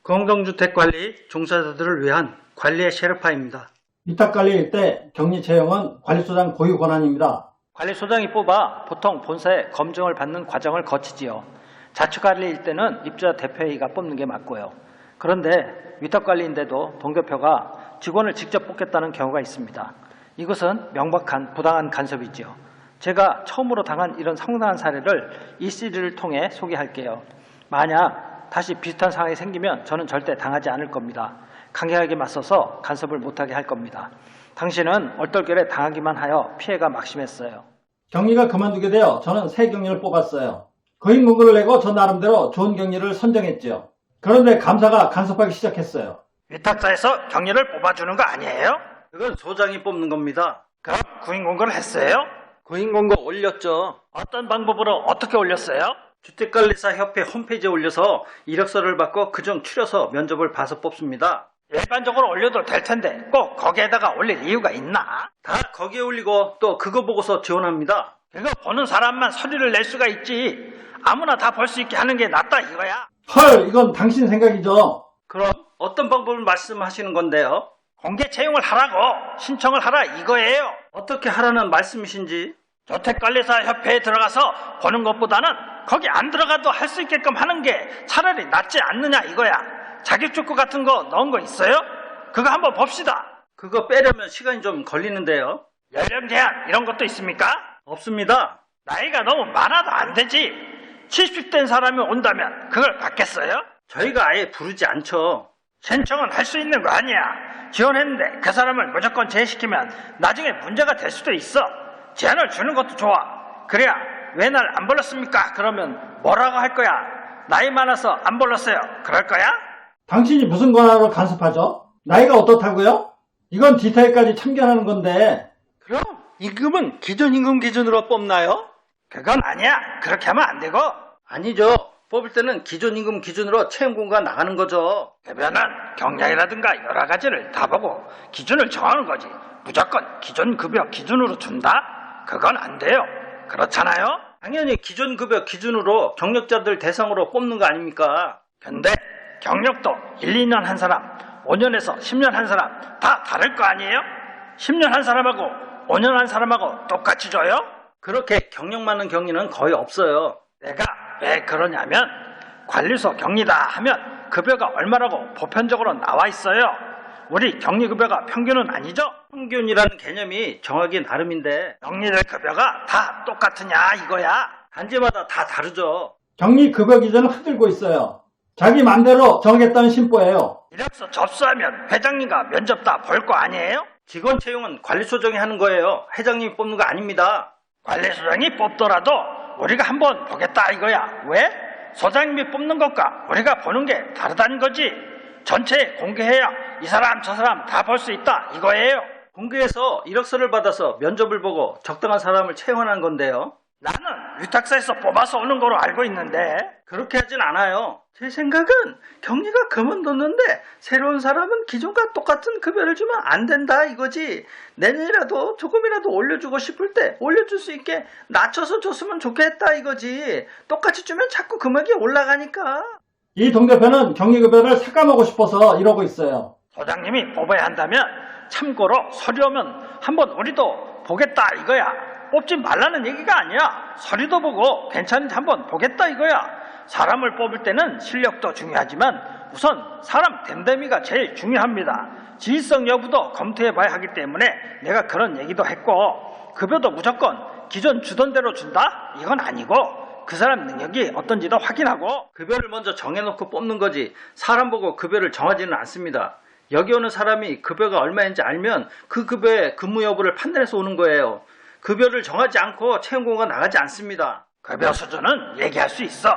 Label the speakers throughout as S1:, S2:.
S1: 공동주택관리 종사자들을 위한 관리의 셰르파입니다.
S2: 위탁관리일 때 격리 채용은 관리소장 고유 권한입니다.
S1: 관리소장이 뽑아 보통 본사에 검증을 받는 과정을 거치지요. 자치관리일 때는 입주자 대표회의가 뽑는 게 맞고요. 그런데 위탁관리인데도 동교표가 직원을 직접 뽑겠다는 경우가 있습니다. 이것은 명백한 부당한 간섭이지요. 제가 처음으로 당한 이런 황당한 사례를 이 시리즈를 통해 소개할게요. 만약 다시 비슷한 상황이 생기면 저는 절대 당하지 않을 겁니다. 강력하게 맞서서 간섭을 못하게 할 겁니다. 당신은 얼떨결에 당하기만 하여 피해가 막심했어요.
S2: 격리가 그만두게 되어 저는 새 격리를 뽑았어요. 거인 문구를 내고 저 나름대로 좋은 격리를 선정했죠. 그런데 감사가 간섭하기 시작했어요.
S1: 위탁사에서 격리를 뽑아주는 거 아니에요? 그건 소장이 뽑는 겁니다. 그럼 구인 공고를 했어요? 구인 공고 올렸죠. 어떤 방법으로 어떻게 올렸어요? 주택관리사 협회 홈페이지에 올려서 이력서를 받고 그중 추려서 면접을 봐서 뽑습니다. 일반적으로 올려도 될 텐데 꼭 거기에다가 올릴 이유가 있나? 다 거기에 올리고 또 그거 보고서 지원합니다. 그거 보는 사람만 서류를 낼 수가 있지. 아무나 다 볼 수 있게 하는 게 낫다 이거야.
S2: 헐, 이건 당신 생각이죠.
S1: 그럼 어떤 방법을 말씀하시는 건데요? 공개 채용을 하라고 신청을 하라 이거예요. 어떻게 하라는 말씀이신지. 주택관리사 협회에 들어가서 보는 것보다는 거기 안 들어가도 할 수 있게끔 하는 게 차라리 낫지 않느냐 이거야. 자격증거 같은 거 넣은 거 있어요? 그거 한번 봅시다. 그거 빼려면 시간이 좀 걸리는데요. 연령 제한 이런 것도 있습니까? 없습니다. 나이가 너무 많아도 안 되지. 70된 사람이 온다면 그걸 받겠어요? 저희가 아예 부르지 않죠. 신청은 할 수 있는 거 아니야. 지원했는데 그 사람을 무조건 제외시키면 나중에 문제가 될 수도 있어. 제한을 주는 것도 좋아. 그래야 왜 날 안 불렀습니까? 그러면 뭐라고 할 거야? 나이 많아서 안 불렀어요. 그럴 거야?
S2: 당신이 무슨 권한으로 간섭하죠? 나이가 어떻다고요? 이건 디테일까지 참견하는 건데.
S1: 그럼 임금은 기존 임금 기준으로 뽑나요? 그건 아니야. 그렇게 하면 안 되고. 아니죠. 뽑을 때는 기존 임금 기준으로 채용 공고가 나가는 거죠. 대변은 경량이라든가 여러 가지를 다 보고 기준을 정하는 거지. 무조건 기존 급여 기준으로 준다? 그건 안 돼요. 그렇잖아요? 당연히 기존 급여 기준으로 경력자들 대상으로 뽑는 거 아닙니까? 근데 경력도 1, 2년 한 사람, 5년에서 10년 한 사람 다 다를 거 아니에요? 10년 한 사람하고 5년 한 사람하고 똑같이 줘요? 그렇게 경력 많은 격리는 거의 없어요. 내가 왜 그러냐면 관리소 격리다 하면 급여가 얼마라고 보편적으로 나와 있어요. 우리 격리급여가 평균은 아니죠? 평균이라는 개념이 정하기 나름인데 격리들 급여가 다 똑같으냐 이거야. 단지마다 다 다르죠.
S2: 격리 급여 기준을 흔들고 있어요. 자기 맘대로 정하겠다는 심보예요.
S1: 이력서 접수하면 회장님과 면접 다 볼 거 아니에요? 직원 채용은 관리소장이 하는 거예요. 회장님이 뽑는 거 아닙니다. 관리소장이 뽑더라도 우리가 한번 보겠다 이거야. 왜? 소장님이 뽑는 것과 우리가 보는 게 다르다는 거지. 전체에 공개해야 이 사람 저 사람 다 볼 수 있다 이거예요. 공개해서 이력서를 받아서 면접을 보고 적당한 사람을 채용하는 건데요. 나는 위탁사에서 뽑아서 오는 거로 알고 있는데 그렇게 하진 않아요. 제 생각은 격리가 그만뒀는데 새로운 사람은 기존과 똑같은 급여를 주면 안 된다 이거지. 내년이라도 조금이라도 올려주고 싶을 때 올려줄 수 있게 낮춰서 줬으면 좋겠다 이거지. 똑같이 주면 자꾸 금액이 올라가니까.
S2: 이 동대표는 격리급여를 삭감하고 싶어서 이러고 있어요.
S1: 소장님이 뽑아야 한다면 참고로 서류 오면 한번 우리도 보겠다 이거야. 뽑지 말라는 얘기가 아니야. 서류도 보고 괜찮은지 한번 보겠다 이거야. 사람을 뽑을 때는 실력도 중요하지만 우선 사람 됨됨이가 제일 중요합니다. 지휘성 여부도 검토해 봐야 하기 때문에 내가 그런 얘기도 했고 급여도 무조건 기존 주던 대로 준다? 이건 아니고 그 사람 능력이 어떤지도 확인하고 급여를 먼저 정해놓고 뽑는 거지 사람 보고 급여를 정하지는 않습니다. 여기 오는 사람이 급여가 얼마인지 알면 그 급여의 근무 여부를 판단해서 오는 거예요. 급여를 정하지 않고 채용 공고가 나가지 않습니다. 급여 수준은 얘기할 수 있어.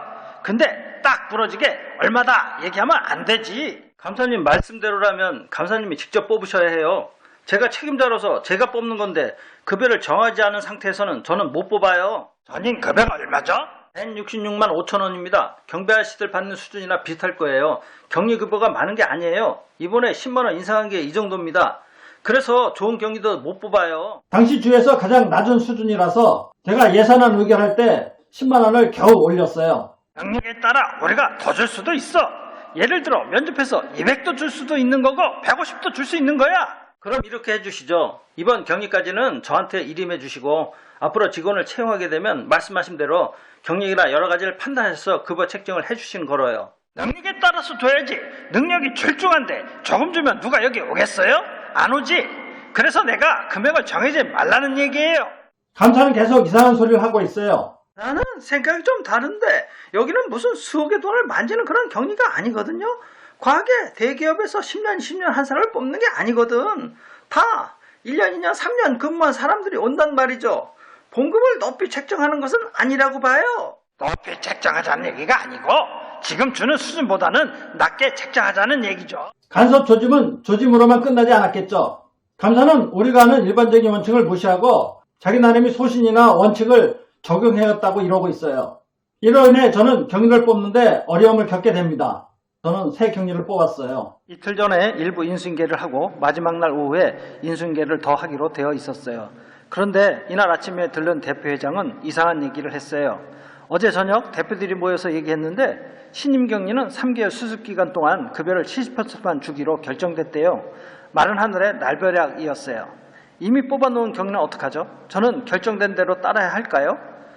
S1: 근데 딱 부러지게 얼마다 얘기하면 안 되지. 감사님 말씀대로라면 감사님이 직접 뽑으셔야 해요. 제가 책임자로서 제가 뽑는 건데 급여를 정하지 않은 상태에서는 저는 못 뽑아요. 전임 급여가 얼마죠? 166만 5천 원입니다. 경비 아저씨들 받는 수준이나 비슷할 거예요. 격리급여가 많은 게 아니에요. 이번에 10만 원 인상한 게 이 정도입니다. 그래서 좋은 격리도 못 뽑아요.
S2: 당시 주에서 가장 낮은 수준이라서 제가 예산안 의결할 때 10만 원을 겨우 올렸어요.
S1: 능력에 따라 우리가 더 줄 수도 있어. 예를 들어 면접해서 200도 줄 수도 있는 거고 150도 줄 수 있는 거야.
S2: 그럼 이렇게 해주시죠. 이번 격리까지는 저한테 일임해 주시고 앞으로 직원을 채용하게 되면 말씀하신 대로 경력이나 여러 가지를 판단해서 급여 책정을 해주시는 거로요.
S1: 능력에 따라서 줘야지. 능력이 출중한데 조금 주면 누가 여기 오겠어요? 안 오지. 그래서 내가 금액을 정해지 말라는 얘기예요.
S2: 감사는 계속 이상한 소리를 하고 있어요.
S1: 나는 생각이 좀 다른데 여기는 무슨 수억의 돈을 만지는 그런 격리가 아니거든요. 과하게 대기업에서 10년, 20년 한 사람을 뽑는 게 아니거든. 다 1년, 2년, 3년 근무한 사람들이 온단 말이죠. 봉급을 높이 책정하는 것은 아니라고 봐요. 높이 책정하자는 얘기가 아니고 지금 주는 수준보다는 낮게 책정하자는 얘기죠.
S2: 간섭 조짐은 조짐으로만 끝나지 않았겠죠. 감사는 우리가 아는 일반적인 원칙을 무시하고 자기 나름의 소신이나 원칙을 적용해왔다고 이러고 있어요. 이로 인해 저는 경리를 뽑는데 어려움을 겪게 됩니다. 저는 새 경리를 뽑았어요.
S1: 이틀 전에 일부 인수인계를 하고 마지막 날 오후에 인수인계를 더 하기로 되어 있었어요. 그런데 이날 아침에 들른 대표회장은 이상한 얘기를 했어요. 어제 저녁 대표들이 모여서 얘기했는데 신임 격리는 3개월 수습기간 동안 급여를 70%만 주기로 결정됐대요. 마른 하늘의 날벼락이었어요. 이미 뽑아놓은 격리는 어떡하죠? 저는 결정된 대로 따라야 할까요?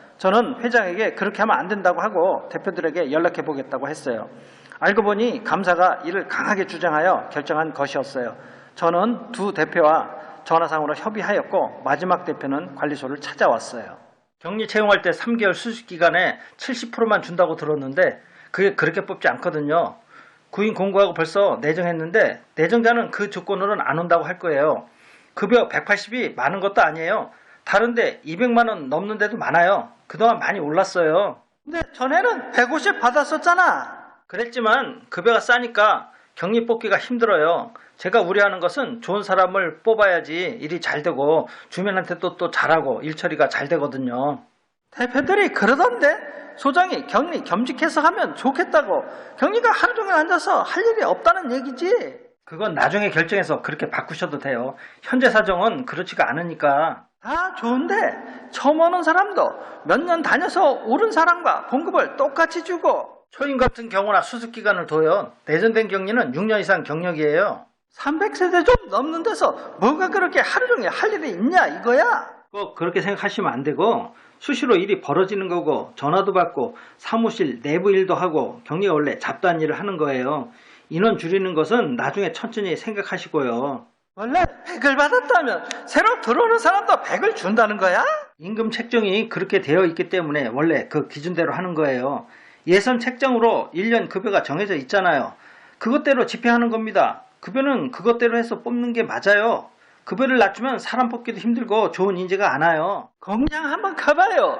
S1: 저는 회장에게 그렇게 하면 안 된다고 하고 대표들에게 연락해 보겠다고 했어요. 알고 보니 감사가 이를 강하게 주장하여 결정한 것이었어요. 저는 두 대표와 전화상으로 협의하였고 마지막 대표는 관리소를 찾아왔어요. 격리 채용할 때 3개월 수습기간에 70%만 준다고 들었는데 그게 그렇게 뽑지 않거든요. 구인 공고하고 벌써 내정했는데 내정자는 그 조건으로는 안 온다고 할 거예요. 급여 180이 많은 것도 아니에요. 다른데 200만 원 넘는 데도 많아요. 그동안 많이 올랐어요. 근데 전에는 150 받았었잖아. 그랬지만 급여가 싸니까 격리 뽑기가 힘들어요. 제가 우려하는 것은 좋은 사람을 뽑아야지 일이 잘 되고 주민한테도 또 잘하고 일 처리가 잘 되거든요. 대표들이 그러던데 소장이 격리 겸직해서 하면 좋겠다고. 격리가 하루 종일 앉아서 할 일이 없다는 얘기지. 그건 나중에 결정해서 그렇게 바꾸셔도 돼요. 현재 사정은 그렇지가 않으니까. 아, 좋은데 처음 오는 사람도 몇 년 다녀서 오른 사람과 봉급을 똑같이 주고 초임 같은 경우나 수습기간을 둬요. 내전된 격리는 6년 이상 경력이에요. 300세대 좀 넘는 데서 뭐가 그렇게 하루 종일 할 일이 있냐 이거야. 꼭 그렇게 생각하시면 안 되고 수시로 일이 벌어지는 거고 전화도 받고 사무실 내부 일도 하고 격리가 원래 잡다한 일을 하는 거예요. 인원 줄이는 것은 나중에 천천히 생각하시고요. 원래 100을 받았다면 새로 들어오는 사람도 100을 준다는 거야? 임금 책정이 그렇게 되어 있기 때문에 원래 그 기준대로 하는 거예요. 예선 책정으로 1년 급여가 정해져 있잖아요. 그것대로 집행하는 겁니다. 급여는 그것대로 해서 뽑는 게 맞아요. 급여를 낮추면 사람 뽑기도 힘들고 좋은 인재가 안 와요. 공장 한번 가봐요.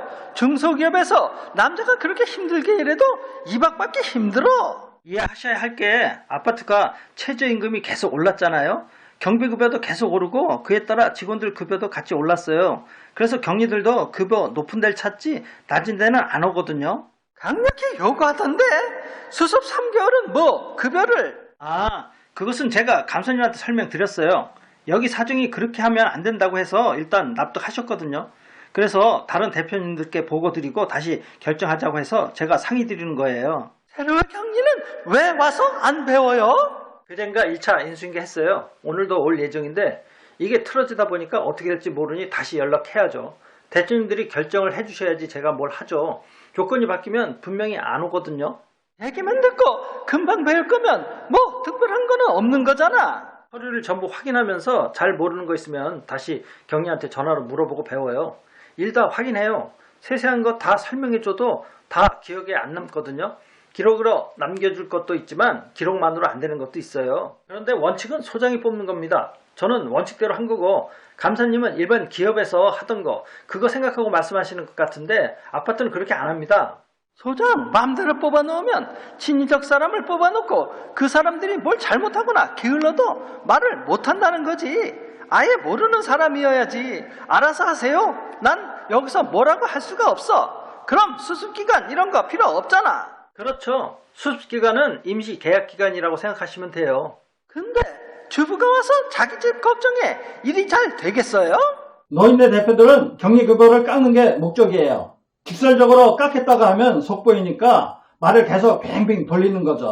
S1: 중소기업에서 남자가 그렇게 힘들게 일해도 2박 받기 힘들어. 이해하셔야 할 게 아파트가 최저임금이 계속 올랐잖아요. 경비급여도 계속 오르고 그에 따라 직원들 급여도 같이 올랐어요. 그래서 격리들도 급여 높은 데를 찾지 낮은 데는 안 오거든요. 강력히 요구하던데 수습 3개월은 뭐 급여를. 아, 그것은 제가 감사님한테 설명드렸어요. 여기 사정이 그렇게 하면 안 된다고 해서 일단 납득하셨거든요. 그래서 다른 대표님들께 보고 드리고 다시 결정하자고 해서 제가 상의 드리는 거예요. 새로운 격리는 왜 와서 안 배워요? 그젠가 1차 인수인계 했어요. 오늘도 올 예정인데 이게 틀어지다 보니까 어떻게 될지 모르니 다시 연락해야죠. 대표님들이 결정을 해주셔야지 제가 뭘 하죠. 조건이 바뀌면 분명히 안 오거든요. 얘기만 듣고 금방 배울 거면 뭐 특별한 거는 없는 거잖아. 서류를 전부 확인하면서 잘 모르는 거 있으면 다시 경리한테 전화로 물어보고 배워요. 일 다 확인해요. 세세한 거 다 설명해줘도 다 기억에 안 남거든요. 기록으로 남겨줄 것도 있지만 기록만으로 안 되는 것도 있어요. 그런데 원칙은 소장이 뽑는 겁니다. 저는 원칙대로 한 거고 감사님은 일반 기업에서 하던 거 그거 생각하고 말씀하시는 것 같은데 아파트는 그렇게 안 합니다. 소장 마음대로 뽑아놓으면 친인적 사람을 뽑아놓고 그 사람들이 뭘 잘못하거나 게을러도 말을 못한다는 거지. 아예 모르는 사람이어야지. 알아서 하세요. 난 여기서 뭐라고 할 수가 없어. 그럼 수습기간 이런 거 필요 없잖아. 그렇죠. 수습기간은 임시 계약기간이라고 생각하시면 돼요. 근데 주부가 와서 자기 집 걱정해 일이 잘 되겠어요?
S2: 노인네 대표들은 격리급여를 깎는 게 목적이에요. 직설적으로 깎겠다고 하면 속보이니까 말을 계속 뱅뱅 돌리는 거죠.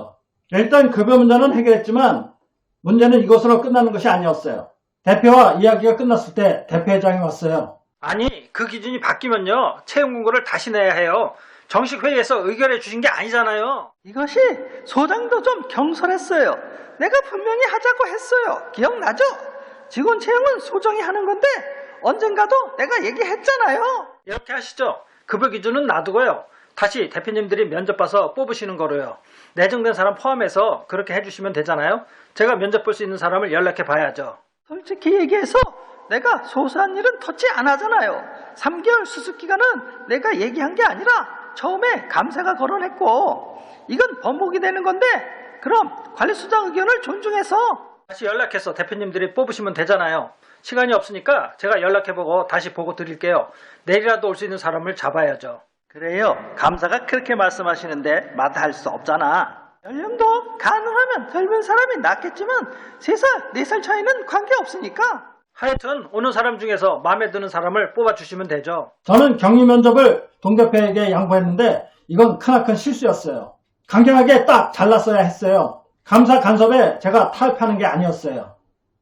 S2: 일단 급여 문제는 해결했지만 문제는 이것으로 끝나는 것이 아니었어요. 대표와 이야기가 끝났을 때 대표회장이 왔어요.
S1: 아니, 그 기준이 바뀌면요, 채용 공고를 다시 내야 해요. 정식 회의에서 의결해 주신 게 아니잖아요. 이것이 소장도 좀 경솔했어요. 내가 분명히 하자고 했어요. 기억나죠? 직원 채용은 소정이 하는 건데 언젠가도 내가 얘기했잖아요. 이렇게 하시죠. 급여 기준은 놔두고요. 다시 대표님들이 면접 봐서 뽑으시는 거로요. 내정된 사람 포함해서 그렇게 해주시면 되잖아요. 제가 면접 볼 수 있는 사람을 연락해 봐야죠. 솔직히 얘기해서 내가 소소한 일은 터치 안 하잖아요. 3개월 수습기간은 내가 얘기한 게 아니라 처음에 감사가 거론했고 이건 번복이 되는 건데 그럼 관리수장 의견을 존중해서 다시 연락해서 대표님들이 뽑으시면 되잖아요. 시간이 없으니까 제가 연락해보고 다시 보고 드릴게요. 내일이라도 올 수 있는 사람을 잡아야죠. 그래요. 감사가 그렇게 말씀하시는데 마다할 수 없잖아. 연령도 가능하면 젊은 사람이 낫겠지만 3살, 4살 차이는 관계없으니까. 하여튼 오는 사람 중에서 마음에 드는 사람을 뽑아주시면 되죠.
S2: 저는 격리 면접을 동대표에게 양보했는데 이건 크나큰 실수였어요. 강경하게 딱 잘랐어야 했어요. 감사 간섭에 제가 타협하는 게 아니었어요.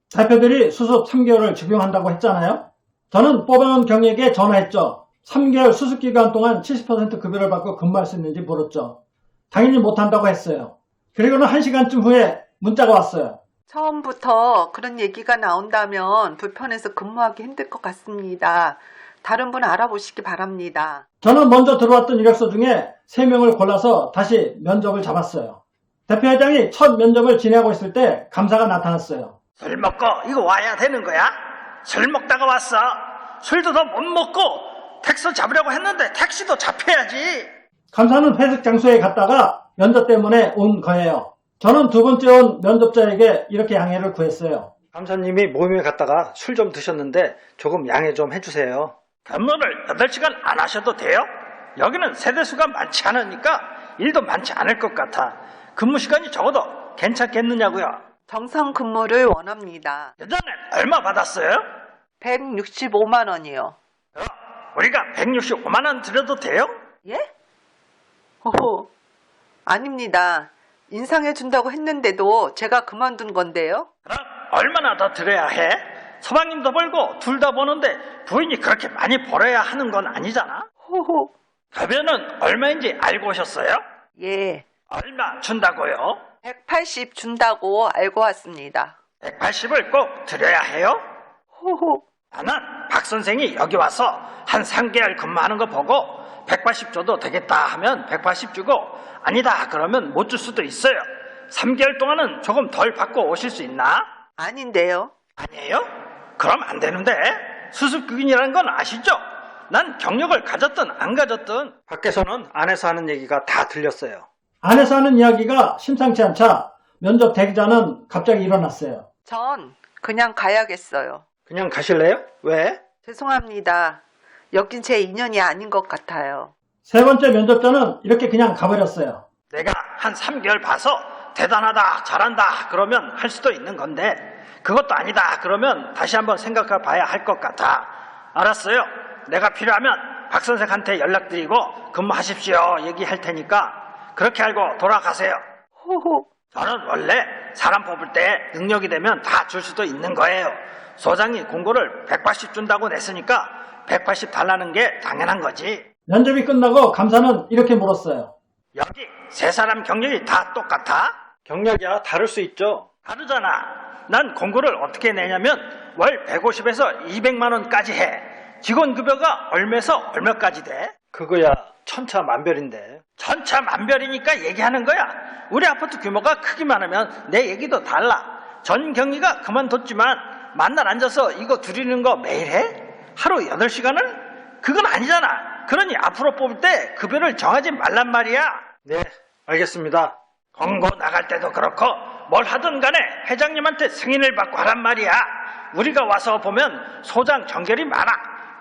S2: 대표들이 수습 3개월을 적용한다고 했잖아요. 저는 뽑아놓은 경리에게 전화했죠. 3개월 수습기간 동안 70% 급여를 받고 근무할 수 있는지 물었죠. 당연히 못한다고 했어요. 그리고는 1시간쯤 후에 문자가 왔어요.
S3: 처음부터 그런 얘기가 나온다면 불편해서 근무하기 힘들 것 같습니다. 다른 분 알아보시기 바랍니다.
S2: 저는 먼저 들어왔던 이력서 중에 3명을 골라서 다시 면접을 잡았어요. 대표회장이 첫 면접을 진행하고 있을 때 감사가 나타났어요.
S1: 술 먹고 이거 와야 되는 거야? 술 먹다가 왔어. 술도 더 못 먹고 택시 잡으려고 했는데 택시도 잡혀야지.
S2: 감사는 회식 장소에 갔다가 면접 때문에 온 거예요. 저는 두 번째 온 면접자에게 이렇게 양해를 구했어요.
S1: 감사님이 모임에 갔다가 술 좀 드셨는데 조금 양해 좀 해주세요. 근무를 8시간 안 하셔도 돼요? 여기는 세대수가 많지 않으니까 일도 많지 않을 것 같아. 근무 시간이 적어도 괜찮겠느냐고요.
S3: 정상 근무를 원합니다.
S1: 예전에 얼마 받았어요?
S3: 165만 원이요.
S1: 우리가 165만 원 드려도 돼요?
S3: 예? 호호, 아닙니다. 인상해 준다고 했는데도 제가 그만둔 건데요.
S1: 그럼 얼마나 더 드려야 해? 서방님도 벌고 둘 다 버는데 부인이 그렇게 많이 벌어야 하는 건 아니잖아?
S3: 호호,
S1: 급여는 얼마인지 알고 오셨어요?
S3: 예.
S1: 얼마 준다고요?
S3: 180 준다고 알고 왔습니다.
S1: 180을 꼭 드려야 해요?
S3: 호호,
S1: 나는 박 선생이 여기 와서 한 3개월 근무하는 거 보고 180 줘도 되겠다 하면 180 주고 아니다 그러면 못 줄 수도 있어요. 3개월 동안은 조금 덜 받고 오실 수 있나?
S3: 아닌데요.
S1: 아니에요? 그럼 안 되는데. 수습기간이라는 건 아시죠? 난 경력을 가졌든 안 가졌든 밖에서는 안에서 하는 얘기가 다 들렸어요.
S2: 안에서 하는 이야기가 심상치 않자 면접 대기자는 갑자기 일어났어요.
S3: 전 그냥 가야겠어요.
S1: 그냥 가실래요? 왜?
S3: 죄송합니다. 여긴 제 인연이 아닌 것 같아요.
S2: 세 번째 면접자는 이렇게 그냥 가버렸어요.
S1: 내가 한 3개월 봐서 대단하다 잘한다 그러면 할 수도 있는 건데 그것도 아니다 그러면 다시 한번 생각해 봐야 할 것 같아. 알았어요. 내가 필요하면 박 선생한테 연락드리고 근무하십시오 얘기할 테니까 그렇게 알고 돌아가세요.
S3: 호호,
S1: 저는 원래 사람 뽑을 때 능력이 되면 다 줄 수도 있는 거예요. 소장이 공고를 180 준다고 냈으니까 180 달라는 게 당연한 거지.
S2: 면접이 끝나고 감사는 이렇게 물었어요.
S1: 여기 세 사람 경력이 다 똑같아? 경력이야 다를 수 있죠. 다르잖아. 난 공고를 어떻게 내냐면 월 150에서 200만 원까지 해. 직원 급여가 얼마에서 얼마까지 돼? 그거야 천차만별인데. 천차만별이니까 얘기하는 거야. 우리 아파트 규모가 크기만 하면 내 얘기도 달라. 전 경리가 그만뒀지만 만날 앉아서 이거 드리는 거 매일 해? 하루 8시간을? 그건 아니잖아. 그러니 앞으로 뽑을 때 급여를 정하지 말란 말이야. 네, 알겠습니다. 공고 나갈 때도 그렇고 뭘 하든 간에 회장님한테 승인을 받고 하란 말이야. 우리가 와서 보면 소장 정결이 많아.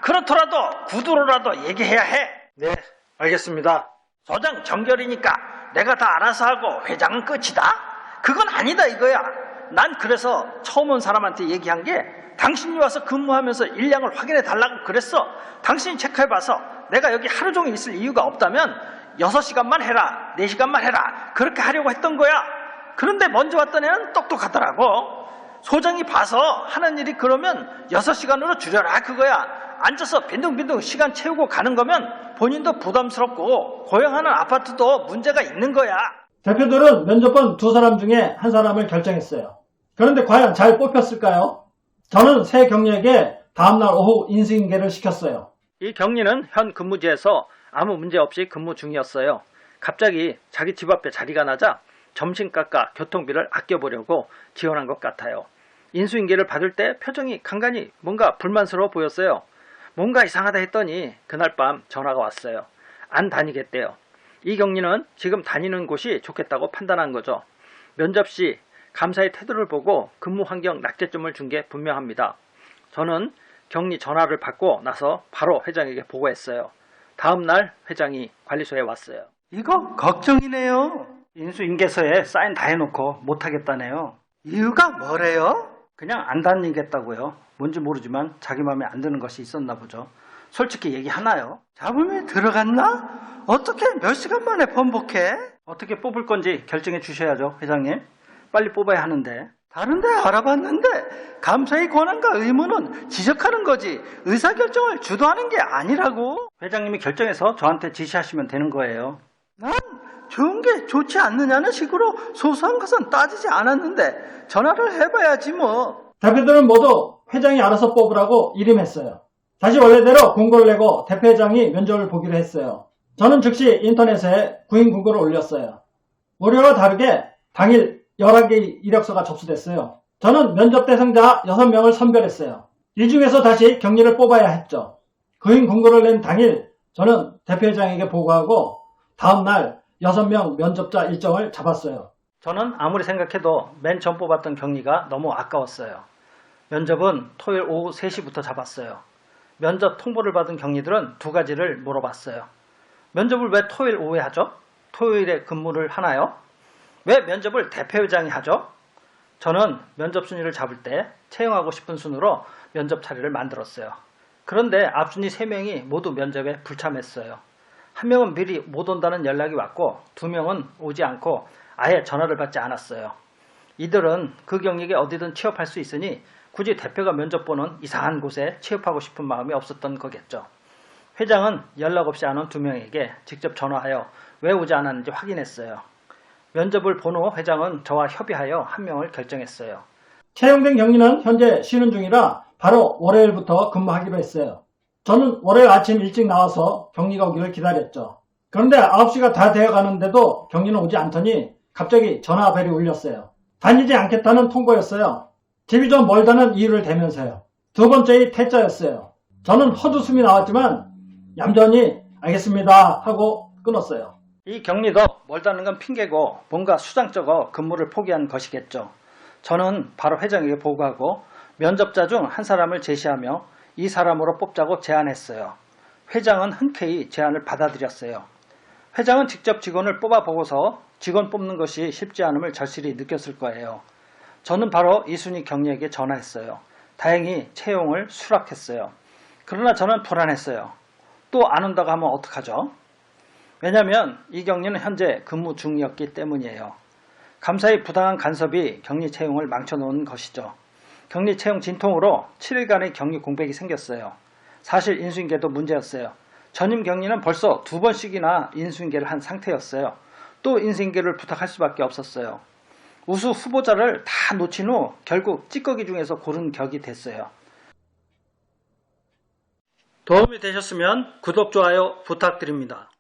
S1: 그렇더라도 구두로라도 얘기해야 해. 네, 알겠습니다. 소장 정결이니까 내가 다 알아서 하고 회장은 끝이다? 그건 아니다 이거야. 난 그래서 처음 온 사람한테 얘기한 게 당신이 와서 근무하면서 일량을 확인해 달라고 그랬어. 당신이 체크해봐서 내가 여기 하루 종일 있을 이유가 없다면 6시간만 해라, 4시간만 해라 그렇게 하려고 했던 거야. 그런데 먼저 왔던 애는 똑똑하더라고. 소장이 봐서 하는 일이 그러면 6시간으로 줄여라 그거야. 앉아서 빈둥빈둥 시간 채우고 가는 거면 본인도 부담스럽고 고용하는 아파트도 문제가 있는 거야.
S2: 대표들은 면접본 두 사람 중에 한 사람을 결정했어요. 그런데 과연 잘 뽑혔을까요? 저는 새 경리에게 다음날 오후 인수인계를 시켰어요.
S1: 이 경리는 현 근무지에서 아무 문제 없이 근무 중이었어요. 갑자기 자기 집 앞에 자리가 나자 점심값과 교통비를 아껴보려고 지원한 것 같아요. 인수인계를 받을 때 표정이 간간히 뭔가 불만스러워 보였어요. 뭔가 이상하다 했더니 그날 밤 전화가 왔어요. 안 다니겠대요. 이 경리는 지금 다니는 곳이 좋겠다고 판단한 거죠. 면접 시 감사의 태도를 보고 근무 환경 낙제점을 준 게 분명합니다. 저는 경리 전화를 받고 나서 바로 회장에게 보고했어요. 다음 날 회장이 관리소에 왔어요.
S4: 이거 걱정이네요.
S1: 인수인계서에 사인 다 해놓고 못하겠다네요.
S4: 이유가 뭐래요?
S1: 그냥 안 다니겠다고요. 뭔지 모르지만 자기 마음에 안 드는 것이 있었나 보죠. 솔직히 얘기하나요?
S4: 잡음이 들어갔나? 어떻게 몇 시간 만에 번복해?
S1: 어떻게 뽑을 건지 결정해 주셔야죠, 회장님. 빨리 뽑아야 하는데.
S4: 다른데 알아봤는데 감사의 권한과 의무는 지적하는 거지 의사결정을 주도하는 게 아니라고.
S1: 회장님이 결정해서 저한테 지시하시면 되는 거예요.
S4: 난 좋은 게 좋지 않느냐는 식으로 소소한 것은 따지지 않았는데 전화를 해봐야지 뭐.
S2: 대표들은 모두 회장이 알아서 뽑으라고 이름했어요. 다시 원래대로 공고를 내고 대표회장이 면접을 보기로 했어요. 저는 즉시 인터넷에 구인 공고를 올렸어요. 월요일과 다르게 당일 11개의 이력서가 접수됐어요. 저는 면접 대상자 6명을 선별했어요. 이 중에서 다시 경리를 뽑아야 했죠. 구인 공고를 낸 당일 저는 대표회장에게 보고하고 다음날 6명 면접자 일정을 잡았어요.
S1: 저는 아무리 생각해도 맨 처음 뽑았던 경리가 너무 아까웠어요. 면접은 토요일 오후 3시부터 잡았어요. 면접 통보를 받은 경리들은 두 가지를 물어봤어요. 면접을 왜 토요일 오후에 하죠? 토요일에 근무를 하나요? 왜 면접을 대표회장이 하죠? 저는 면접 순위를 잡을 때 채용하고 싶은 순으로 면접 자리를 만들었어요. 그런데 앞순위 3명이 모두 면접에 불참했어요. 한 명은 미리 못 온다는 연락이 왔고 2명은 오지 않고 아예 전화를 받지 않았어요. 이들은 그 경력에 어디든 취업할 수 있으니 굳이 대표가 면접 보는 이상한 곳에 취업하고 싶은 마음이 없었던 거겠죠. 회장은 연락 없이 안 온 2명에게 직접 전화하여 왜 오지 않았는지 확인했어요. 면접을 본 후 회장은 저와 협의하여 1명을 결정했어요.
S2: 채용된 경리는 현재 쉬는 중이라 바로 월요일부터 근무하기로 했어요. 저는 월요일 아침 일찍 나와서 경리가 오기를 기다렸죠. 그런데 9시가 다 되어가는데도 경리는 오지 않더니 갑자기 전화벨이 울렸어요. 다니지 않겠다는 통보였어요. 집이 좀 멀다는 이유를 대면서요. 두 번째의 퇴짜였어요. 저는 헛웃음이 나왔지만 얌전히 알겠습니다 하고 끊었어요.
S1: 이 격리도 멀다는 건 핑계고 뭔가 수장쩍어 근무를 포기한 것이겠죠. 저는 바로 회장에게 보고하고 면접자 중 한 사람을 제시하며 이 사람으로 뽑자고 제안했어요. 회장은 흔쾌히 제안을 받아들였어요. 회장은 직접 직원을 뽑아보고서 직원 뽑는 것이 쉽지 않음을 절실히 느꼈을 거예요. 저는 바로 이순희 경리에게 전화했어요. 다행히 채용을 수락했어요. 그러나 저는 불안했어요. 또 안 온다고 하면 어떡하죠? 왜냐하면 이 경리는 현재 근무 중이었기 때문이에요. 감사의 부당한 간섭이 경리 채용을 망쳐놓은 것이죠. 경리 채용 진통으로 7일간의 경리 공백이 생겼어요. 사실 인수인계도 문제였어요. 전임 경리는 벌써 2번씩이나 인수인계를 한 상태였어요. 또 인수인계를 부탁할 수밖에 없었어요. 우수 후보자를 다 놓친 후 결국 찌꺼기 중에서 고른 격이 됐어요. 도움이 되셨으면 구독, 좋아요 부탁드립니다.